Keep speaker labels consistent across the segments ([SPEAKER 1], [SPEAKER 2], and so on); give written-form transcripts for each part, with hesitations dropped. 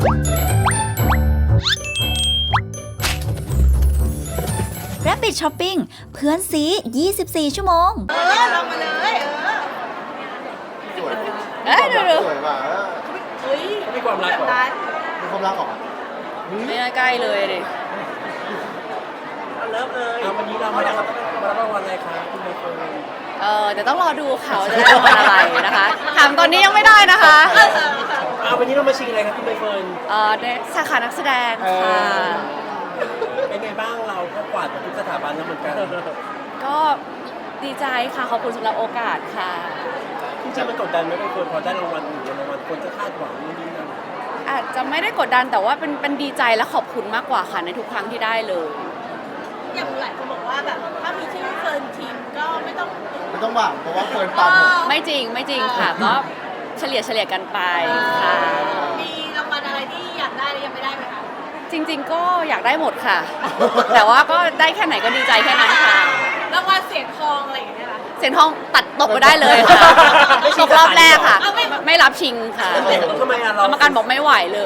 [SPEAKER 1] Rabbit Shopping เพื่อนซี 24 ชั่วโมง
[SPEAKER 2] ลงมาเลย
[SPEAKER 3] สวย
[SPEAKER 1] ดู
[SPEAKER 3] สวยว่ะ
[SPEAKER 4] มีความรักเหรอ
[SPEAKER 3] มีความรักเหรอ
[SPEAKER 1] ไม่ใกล้เลยดิ
[SPEAKER 4] เริ่มเลยวันนี้เรามารับรางวัลอะไรคะคุณใบเฟิร์น
[SPEAKER 1] เดี๋ยวต้องรอดูเขาจะได้รางวัลอะไรนะคะถามตอนนี้ยังไม่ได้นะคะ
[SPEAKER 4] วันนี้เรามาชิงอะไรครับคุณใบเฟิร์น
[SPEAKER 1] ในสาขานักแสดงค่ะ
[SPEAKER 4] เป็นไงบ้างเราก็กวาดมาทุกสถาบันแล้วเหมือนกัน
[SPEAKER 1] ก็ดีใจค่ะขอบคุณสำหรับโอกาสค่ะ
[SPEAKER 4] จริงๆมันกดดันไหมใบเฟิร์นพอได้รางวัลหนึ่งรางวัลคนจะคาดหวังนู่นนี่นั่น
[SPEAKER 1] อาจจะไม่ได้กดดันแต่ว่าเป็นดีใจและขอบคุณมากกว่าค่ะในทุกครั้งที่ได้เลย
[SPEAKER 2] อย่างหลายคนบอกว่าแบบถ้ามีชื่อเฟิร์นทีมก็ไม่ต้อง
[SPEAKER 3] หวังเพราะว่าเฟิร์นตามหมด
[SPEAKER 1] ไม่จริงค่ะก็เฉลี่ยกันไปค่ะ
[SPEAKER 2] มีรางวัลอะไรที่อยากได้และยังไม่ได้ไหมคะ
[SPEAKER 1] จริงๆก็อยากได้หมดค่ะ แต่ว่าก็ได้แค่ไหนก็ดีใจแค่นั้นค่ะ
[SPEAKER 2] รางวัลเสียงทองอะไรอย่างเงี้ยค่ะ
[SPEAKER 1] เสียงทองตัดตกไปได้เลยค่ะตกรอบแรกค่ะ ไม่รับชิงค่ะ
[SPEAKER 4] ทำไมอะเรา
[SPEAKER 1] กรรมการบอกไม่ไหวเลย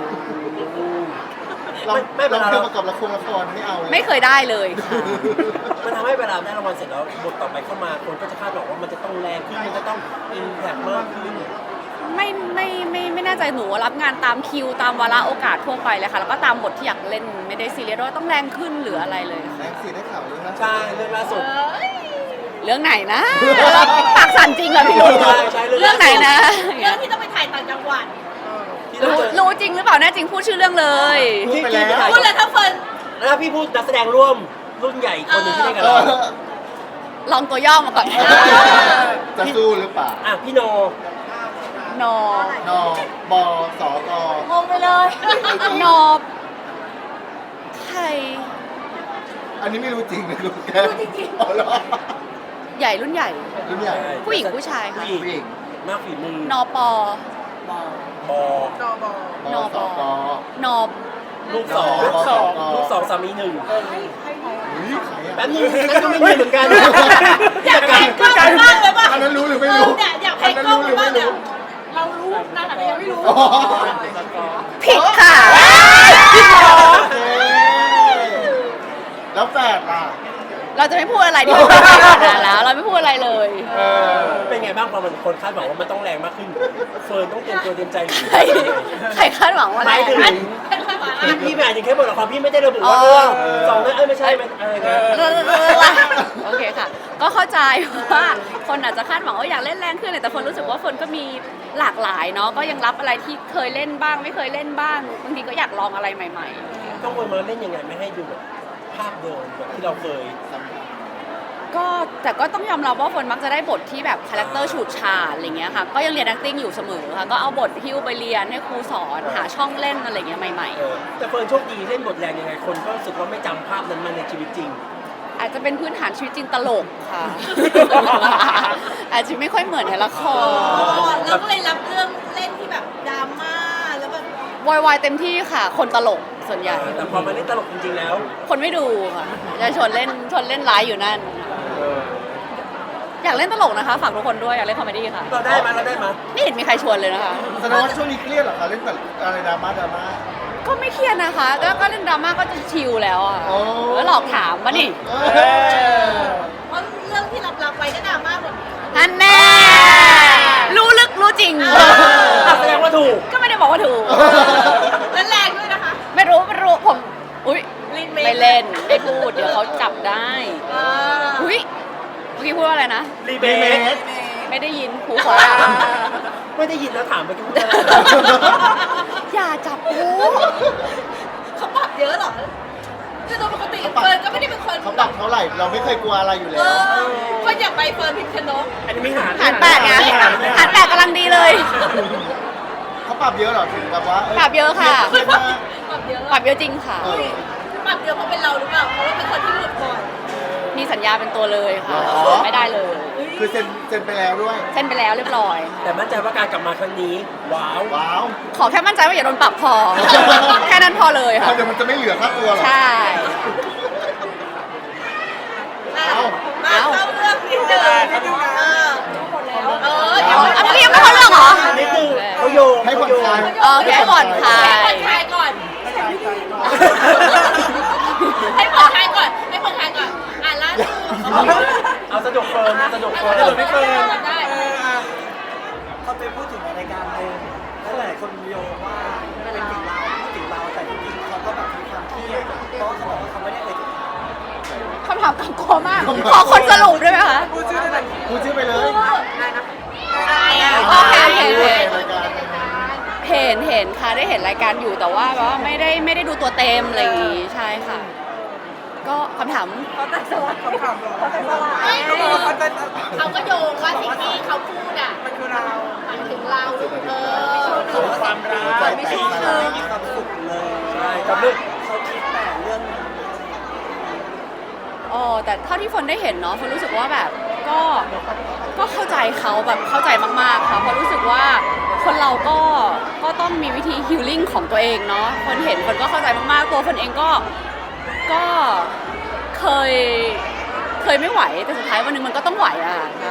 [SPEAKER 3] เรา
[SPEAKER 4] ไม่
[SPEAKER 3] เรา
[SPEAKER 4] เวลา
[SPEAKER 3] เคยประกอบละครไม่เอาเลย
[SPEAKER 1] ไม่เคยได้เลยค่ะ
[SPEAKER 4] มันทำให้เวลาได้รางวัลเสร็จแล้วบทต่อไปเข้ามาคนก็จะคาดหวังว่ามันจะต้องแรงขึ้นมันจะต้องอินแพคมากขึ้น
[SPEAKER 1] ไม่แน่ใจหนูรับงานตามคิวตามวาระโอกาสทั่วไปเลยค่ะแล้วก็ตามบทที่อยากเล่นไม่ได้ซีเรียสว่าต้องแรงขึ้นหรืออะไรเลย
[SPEAKER 3] แรงสีได้ข่าวเลยนะ
[SPEAKER 4] ใช่เรื่องล่าสุด
[SPEAKER 1] เรื่องไหนนะปากสั่นจริงเหรอพี่ลูก
[SPEAKER 4] ใช่
[SPEAKER 1] เรื่องไหนนะ
[SPEAKER 2] เรื่องที่ต้องไปถ่ายต่างจังหวัด
[SPEAKER 4] ที่เราเจอ
[SPEAKER 1] รู้จริงหรือเปล่าแน่จริงพูดชื่อเรื่องเลย
[SPEAKER 3] พูดไปแล้ว
[SPEAKER 2] พูดเลยถ้าเฟิร์น
[SPEAKER 4] แล้วพี่พูดนักแสดงร่วมรุ่นใหญ่คนหนึ่งที่ได้กับ
[SPEAKER 3] เอ
[SPEAKER 4] เรา
[SPEAKER 3] อ
[SPEAKER 1] ลองตัวย่อมาก่อน
[SPEAKER 3] จะสู้หรือเปล่า
[SPEAKER 4] พี่โน
[SPEAKER 1] นอน
[SPEAKER 3] บสก
[SPEAKER 1] งงไปเลยนอบใคร
[SPEAKER 3] อันนี้ไม่รู้จริงนะลูกแก้วอ๋อเหรอ
[SPEAKER 1] ใหญ่รุ่นใหญ่
[SPEAKER 3] รุ่นใหญ่
[SPEAKER 1] ผู้หญิงผู้ชายค่ะ
[SPEAKER 4] ผู้หญิงมากฝีมือน
[SPEAKER 1] อปอบ
[SPEAKER 4] อน
[SPEAKER 3] สก
[SPEAKER 1] นอบ
[SPEAKER 4] ลูกสอง
[SPEAKER 3] ลูกสอง
[SPEAKER 4] ลูกสองสามีหนึ่ง
[SPEAKER 3] อุ๊ยใครอะ
[SPEAKER 4] แป๊บนึงนั่นก็ไม่มีเหมือนกัน
[SPEAKER 2] อยากแพงกล้องมากเลยป่ะ
[SPEAKER 3] อันนั้นรู้หรือไม่รู้
[SPEAKER 2] เนี่ยอยากแพงกล้องมากเนี่ยเรารู้นะแต่ยังไม่รู้
[SPEAKER 3] อ๋อ
[SPEAKER 1] ผิดค่ะ
[SPEAKER 3] โอเคแล้วแฝดล่ะ
[SPEAKER 1] เราจะไม่พูดอะไรดีกว่าแล้วเราไม่พูดอะไรเลย
[SPEAKER 4] เป็นไงบ้างพอมันคนคาดหวังว่ามันต้องแรงมากขึ้น เฟิร์นต้องเตรียมตัวเตรียมใจหรือ
[SPEAKER 1] ใครคาดหวังว่าอะไร
[SPEAKER 4] หมายถึงพี่ไม่อ่านอย่างแค่บทละครพี่ไม่ได้ระบุว่าเรื่องสองนั้นไม่ใช่อะไรนะ
[SPEAKER 1] โอเคค่ะ ก็เข้าใจว่าคนอาจจะคาดหวังว่าอยากเล่นแรงขึ้นแต่คนรู้สึกว่าคนก็มีหลากหลายเนาะก็ยังรับอะไรที่เคยเล่นบ้างไม่เคยเล่นบ้างบางทีก็อยากลองอะไรใหม่
[SPEAKER 4] ต้องวนมาเล่นยังไงไม่ให้ดูแบบภาพเดิมแบบที่เราเคย
[SPEAKER 1] ๆก็แต่ก็ต้องยอมรับว่าคนมักจะได้บทที่แบบคาแรคเตอร์ฉูดฉาดอะไรเงี้ยค่ะก็ยังเรียน acting อยู่เสมอค่ะก็เอาบทฮิ้วไปเรียนให้ครูสอนหาช่องเล่นอะไรเงี้ยใหม่
[SPEAKER 4] แต่เฟิร์นโชคดีเล่นบทแรงยังไงคนก็รู้สึกว่าไม่จำภาพนั้นมาในชีวิตจริง
[SPEAKER 1] ๆ อาจจะเป็นพื้นฐานชีวิตจริงตลกค่ะ อาจจะไม่ค่อยเหมือนในละคร
[SPEAKER 2] เราก็เลยรับเรื่องเล่นที่แบบดราม่าแล้วแบบ
[SPEAKER 1] วายเต็มที่ค่ะ คนตลกส่วนใหญ่
[SPEAKER 4] แต่พอมาเล่นตลกจริงๆแล้ว
[SPEAKER 1] คนไม่ดูค่ะจะชวนเล่นร้ายอยู่นั่น อยากเล่นตลกนะคะฝากทุกคนด้วยอยากเล่นคอมเมดี้ค่ะ
[SPEAKER 4] เราได้มา
[SPEAKER 1] ไม่เห็นมีใครชวนเลยนะคะ
[SPEAKER 3] แสดงว่าช่วงนี้เครียดเหรอคะเล่นแต่อะไรดราม่า
[SPEAKER 1] ก็ไม่เครียดนะคะก็เล่นดราม่าก็จะชิลแล้วอ่ะ
[SPEAKER 3] โอ้
[SPEAKER 1] แล้วหลอกถามปะนี่
[SPEAKER 2] เพราะเรื่องที่รับไปก็ดราม่าหมด
[SPEAKER 1] อันแน่รู้ลึกรู้จริง
[SPEAKER 4] แสดงว่าถูก
[SPEAKER 1] ก็ไม่ได้บอกว่าถูก
[SPEAKER 2] และแรงด้วยนะคะ
[SPEAKER 1] ไม่รู้ผมอุ้ย
[SPEAKER 2] ลิน
[SPEAKER 1] ไม่เล่นไม่พูดเดี๋ยวเขาจับได้
[SPEAKER 2] อ่า
[SPEAKER 1] อุ้ยเมื่อกี้พูดว่าอะไรนะ
[SPEAKER 4] รีเบส
[SPEAKER 1] ไม่ได้ยินหูขอ
[SPEAKER 4] ไม่ได้ยินแล้วถามไปกี่คน
[SPEAKER 1] อย่าจับกู
[SPEAKER 2] เขาปรับเยอะเหรอคือโดยปกติเฟิร์นก็ไม่ได้เป็นคน
[SPEAKER 3] เขาปรับเท่าไหร่เราไม่เคยกลัวอะไรอยู่แล้ว
[SPEAKER 2] คนอยากไปเฟิร์นพิมพ์ชนก
[SPEAKER 4] อันนี้ไม่หาร
[SPEAKER 1] หารแปดไงหารแปดกำลังดีเลย
[SPEAKER 3] เขาปรับเยอะเหรอถึงแบบว่า
[SPEAKER 1] ปรับเยอะค่ะ
[SPEAKER 3] เครียดมาก
[SPEAKER 2] ปรับเยอะ
[SPEAKER 1] ปรับเยอะจริงค่ะ
[SPEAKER 3] เออ
[SPEAKER 2] ปรับเยอะเพราะเป็นเราหรือเปล่าเพราะว่าเป็นคนที่หลุดบ่อย
[SPEAKER 1] มีสัญญาเป็นตัวเลยค่ะ
[SPEAKER 3] หรอ
[SPEAKER 1] ไม่ได้เลย
[SPEAKER 3] คือเซ็นไปแล้วด้วย
[SPEAKER 1] เส้นไปแล้วเรียบร้อย
[SPEAKER 4] แต่มั่นใจว่าการกลับมาครั้งนี้ว้าว
[SPEAKER 3] ว้าว
[SPEAKER 1] ขอแค่มั่นใจว่าอย่าโดนปรับพอ แค่นั้นพอเลยค่ะ
[SPEAKER 3] เดี๋ยวมันจะไม่เหลือค่าตัวหรอ
[SPEAKER 1] ใช่
[SPEAKER 2] มาเข้าเรื่องนิดนึงหมดแล้วเดี๋ยว
[SPEAKER 1] เมื่อกี้ยังไม่เข้าเรื่องเหรอ
[SPEAKER 4] นิดนึงเขาโยง
[SPEAKER 3] ให้ผ่อนคลาย
[SPEAKER 1] โอเคผ่อนคลาย
[SPEAKER 4] ฟิร์นสนุกเฟิร์น
[SPEAKER 2] สนุกพี่เฟิร์น
[SPEAKER 1] ได้
[SPEAKER 5] เขาไปพูดถึงในรายการหนึ่งแล้วหลายคนโยงว่าเป็นถึงเราพูดถึงเราแต่จริงๆเขาก็แบบมีความเครียดเพราะว่าเขาบอกว่าเขาไม่ได้เอ่ยถึงเรา
[SPEAKER 1] คำถามกังกลัวมาก ขอคนสรุปได้ไหมคะ
[SPEAKER 5] พูดชื่อได้ไหม
[SPEAKER 3] พูดชื่อไปเลย
[SPEAKER 1] โอเคโอเคโอเค
[SPEAKER 3] รายการ
[SPEAKER 1] เห็นค่ะได้เห็นรายการอยู่แต่ว่าแบบว่าไม่ได้ดูตัวเต็มอะไรอย่างงี้ใช่ค่ะ ก็คำถาม
[SPEAKER 5] เขาแต่สลัดเขาถามเรา
[SPEAKER 2] ไม่คือ
[SPEAKER 5] เขาเป็น
[SPEAKER 2] เขาก็โยงว่าสิ่งที่เขาพูดอ่ะ
[SPEAKER 5] มันคือเรา
[SPEAKER 2] หมายถึงเรา
[SPEAKER 5] เขาความรักไม่ชอบเลยมีความสุขเลย
[SPEAKER 4] ใช่กับเรื่อง
[SPEAKER 5] เขาคิดแต่เรื่องนี้
[SPEAKER 1] อ๋อแต่เท่าที่ฝนได้เห็นเนาะฝนรู้สึกว่าแบบก็เข้าใจเขาแบบเข้าใจมากๆค่ะเพราะรู้สึกว่าคนเราก็ต้องมีวิธีฮีลลิ่งของตัวเองเนาะคนเห็นคนก็เข้าใจมากๆตัวฝนเองก็เคยไม่ไหวแต่สุดท้ายวันหนึงมันก็ต้องไหวอ่ะใช่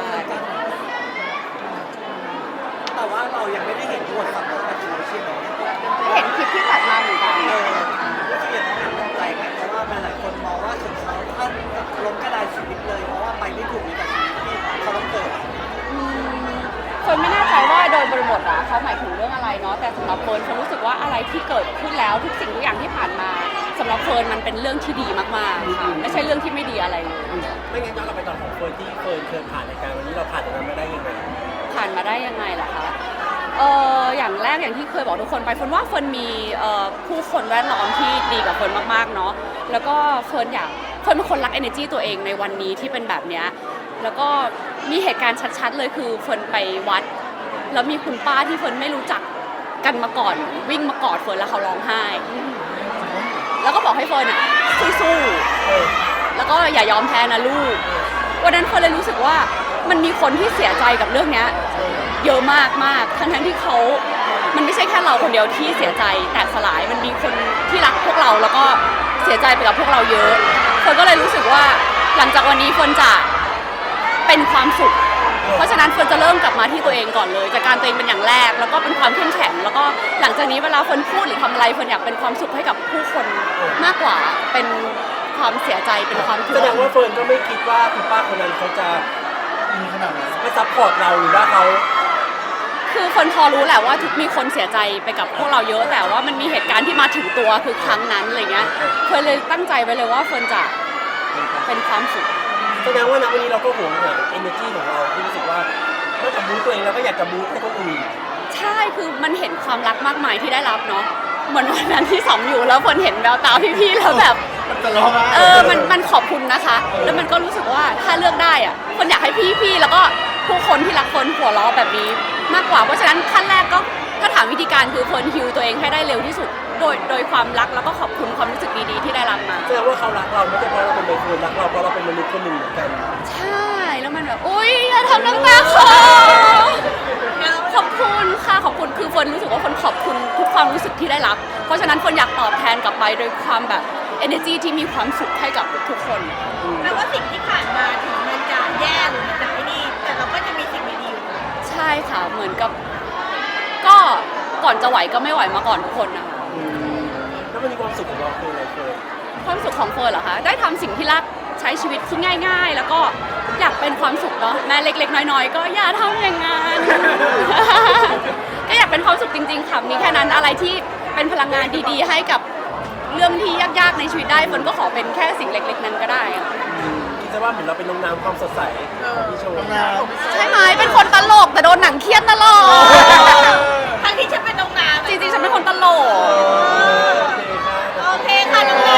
[SPEAKER 5] แต่ว่าเรายังไม่ได้เห็นบทสัมภาษณ์แบบนี้ใช่ไหม
[SPEAKER 1] เห็นคลิปที่ตัดมาเหมือนกัน
[SPEAKER 5] ก็คืออย่างนั้นตกใจไหมเพราะว่าหลายคนมองว่าถึงเขาท่านล้มกระดานชีวิตเลยเพราะว่าไปไม่ถูกกับชีวิตที่เขาต้องเกิด
[SPEAKER 1] คนไม่แน่ใจว่าโดยบริบทอะเขาหมายถึงเรื่องอะไรเนาะแต่สำหรับเฟิร์นฉันรู้สึกว่าอะไรที่เกิดขึ้นแล้วทุกสิ่งทุกอย่างที่ผ่านมาสำหรับเฟิร์นมันเป็นเรื่องที่ดีมากๆค่ะไม่ใช่เรื่องที่ไม่ดีอะไรเลย
[SPEAKER 4] ไม่งั้นย้อนกลับไปตอนของเฟิร์นที่เฟิร์นเคยผ่านรายการวันนี้เราผ่านตรงนั้นมาได้ยังไง
[SPEAKER 1] ผ่านมาได้ยังไงล่ะคะอย่างแรกอย่างที่เคยบอกทุกคนไปเฟิร์นว่าเฟิร์นมีผู้คนแวดล้อมที่ดีกับเฟิร์นมากๆเนาะแล้วก็เฟิร์นเป็นคนรัก energy ตัวเองในวันนี้ที่เป็นแบบเนี้ยแล้วก็มีเหตุการณ์ชัดๆเลยคือเฟิร์นไปวัดแล้วมีคุณป้าที่เฟิร์นไม่รู้จักกันมาก่อนวิ่งมากอดเฟิร์นแล้วเขาร้องไห้ แล้วก็บอกให้เฟิร์นอ่ะสู้ๆแล้วก็อย่ายอมแพ้นะลูกวันนั้นเฟิร์นเลยรู้สึกว่ามันมีคนที่เสียใจกับเรื่องเนี้ยเยอะมากมากทั้งที่เขามันไม่ใช่แค่เราคนเดียวที่เสียใจแตกสลายมันมีคนที่รักพวกเราแล้วก็เสียใจไปกับพวกเราเยอะเฟิร์นก็เลยรู้สึกว่าหลังจากวันนี้เฟิร์นจะเป็นความสุขเพราะฉะนั้นเฟิร์นจะเริ่มกลับมาที่ตัวเองก่อนเลยจากการตัวเองเป็นอย่างแรกแล้วก็เป็นความเข้มแข็งแล้วก็หลังจากนี้เวลาเฟิร์นพูดหรือทำอะไรเฟิร์นอยากเป็นความสุขให้กับผู้คนมากกว่าเป็นความเสียใจเป็นความทุก
[SPEAKER 4] แส
[SPEAKER 1] ข์
[SPEAKER 4] ดงว่าเฟิร์นก็ไม่คิดว่าคุณป้าคนนั้นเขาจะ
[SPEAKER 3] มีขนาดนั้น
[SPEAKER 4] ไม่ซัพพอร์ตเราหรือว่าเขา
[SPEAKER 1] คือเฟิร์นพอรู้แหละว่ามีคนเสียใจไปกับพวกเราเยอะแต่ว่ามันมีเหตุการณ์ที่มาถึงตัวคือครั้งนั้นอะไรเงี้ยเฟิร์นเลยตั้งใจไว้เลยว่าเฟิร์นจะเป็นความสุข
[SPEAKER 4] แสดงว่าณวันนี้เราก็หวงแหน energy ของเราที่รู้สึกว่านอกจากบู๊ตัวเองแล้วก็อยากจะบู๊ให้คนอื่น
[SPEAKER 1] ใช่คือมันเห็นความรักมากมายที่ได้รับเนาะเหมือนวันนั้นที่สองอยู่แล้วเฟิร์นเห็นแววตาพี่ๆแล้วแบบ
[SPEAKER 3] จะร้องไห้
[SPEAKER 1] มันขอบคุณนะคะ แล้วมันก็รู้สึกว่าถ้าเลือกได้อะคนอยากให้พี่ๆแล้วก็ผู้คนที่รักคนหัวเราะแบบนี้มากกว่าเพราะฉะนั้นขั้นแรกก็ถ้าถามวิธีการคือเฟิร์นฮิวตัวเองให้ได้เร็วที่สุดโดยความรักแล้วก็ขอบคุณความรู้สึกดีๆที่ได้รับมา
[SPEAKER 4] แสดงว่าเขารักเราไม่ใช่เพราะเราเป็นคนรักเราเพราะเราเป็นมนุษย์คนหนึ่งเหมือนกัน
[SPEAKER 1] ใช่แล้วมันแบบอุ้ยอย่าทำน้ำตาคอขอบคุณค่ะขอบคุณคือเฟิร์นรู้สึกว่าเฟิร์นขอบคุณทุกความรู้สึกที่ได้รับ เพราะฉะนั้นเฟิร์นอยากตอบแทนกลับไปโดยความแบบ energy ที่มีความสุขให้กับทุกคน
[SPEAKER 2] แปลว่าสิ่งที่ผ่านมาถึงมันจะแย่หรือมันจะไม่ดีแต่เราก็จะมีสิ่งดีๆอยู่
[SPEAKER 1] ใช่ค่ะเหมือนกับก็ก่อนจะไหวก็ไม่ไหวมาก่อนทุกคนนะคะ
[SPEAKER 4] แล้วมันมีความสุขของเราคืออะไรเฟิร์น
[SPEAKER 1] ความสุขของเฟิร์นเหรอคะได้ทำสิ่งที่รักใช้ชีวิตที่ง่าย ๆ แล้วก็อยากเป็นความสุขเนาะแม้เล็กๆน้อยๆก็อย่าทำอย่างนั้น ก็อยากเป็นความสุขจริงๆค่ะมีแค่นั้นอะไรที่เป็นพลังงานดีๆ ให้กับเรื่องที่ยากๆในชีวิตได้เฟิร์นก็ขอเป็นแค่สิ่งเล็กๆนั้นก็ได้อะ
[SPEAKER 4] คิดซะว่าเหมือนเราเป็นน้ำความสดใสของพี่โชว์
[SPEAKER 3] น้
[SPEAKER 1] ใช่ไหมเป็นคนตลกแต่โดนหนังเครียดตลอด
[SPEAKER 2] ทั้งที่ฉันเป็นน้องน้ำ
[SPEAKER 1] จริงๆฉันเป็นคนตลก
[SPEAKER 2] โอเคค่ะน้องน้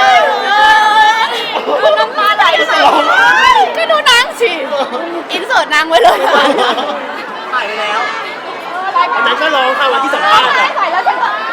[SPEAKER 1] น้ำตาไหลใส่ก็ดูนางสิอินเสิร์ตนางไว้เลยค่ะ
[SPEAKER 5] ถ่ายไปแล้ว
[SPEAKER 4] อันนั้นก็ร้องค่ะวันที่สัมภาษณ์อะ
[SPEAKER 1] ใส่แล้วฉันก็